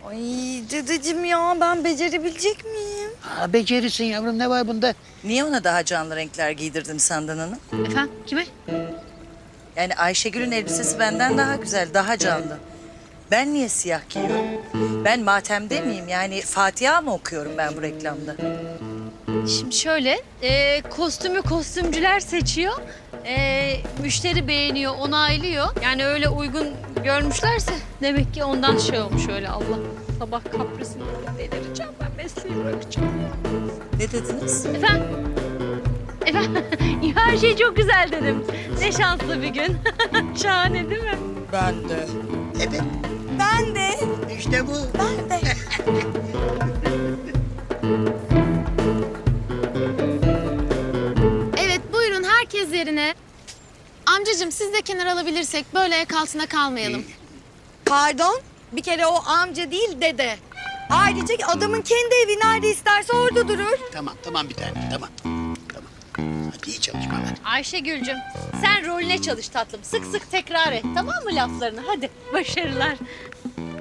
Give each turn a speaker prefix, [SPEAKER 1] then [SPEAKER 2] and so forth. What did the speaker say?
[SPEAKER 1] Ay dedeciğim ya ben becerebilecek miyim?
[SPEAKER 2] Ha, becerisin yavrum, ne var bunda?
[SPEAKER 3] Niye ona daha canlı renkler giydirdin Handan Hanım?
[SPEAKER 4] Efendim kime?
[SPEAKER 3] Yani Ayşegül'ün elbisesi benden daha güzel, daha canlı. Ben niye siyah giyiyorum? Ben matemde miyim? Yani Fatiha mı okuyorum ben bu reklamda?
[SPEAKER 4] Şimdi şöyle, kostümü kostümcüler seçiyor. Müşteri beğeniyor, onaylıyor. Yani öyle uygun görmüşlerse demek ki ondan şey olmuş öyle Allah. Sabah kaprisini delireceğim ben mesleği bırakacağım.
[SPEAKER 3] Ne dediniz?
[SPEAKER 4] Efendim? Efendim? Her şey çok güzel dedim. Ne şanslı bir gün. Şahane değil mi?
[SPEAKER 3] Ben de.
[SPEAKER 2] Evet,
[SPEAKER 1] Ben de.
[SPEAKER 2] işte bu.
[SPEAKER 1] Ben de.
[SPEAKER 5] Evet buyurun herkes yerine. Amcacığım siz de kenar alabilirsek böyle ayak altında kalmayalım.
[SPEAKER 1] Pardon bir kere o amca değil dede. Ayrıca adamın kendi evi nerede isterse orada durur.
[SPEAKER 2] Tamam bir tane, tamam. Hadi iyi çalışmalar.
[SPEAKER 4] Ayşegül'cüm sen rolüne çalış tatlım. Sık sık tekrar et tamam mı laflarını? Hadi başarılar.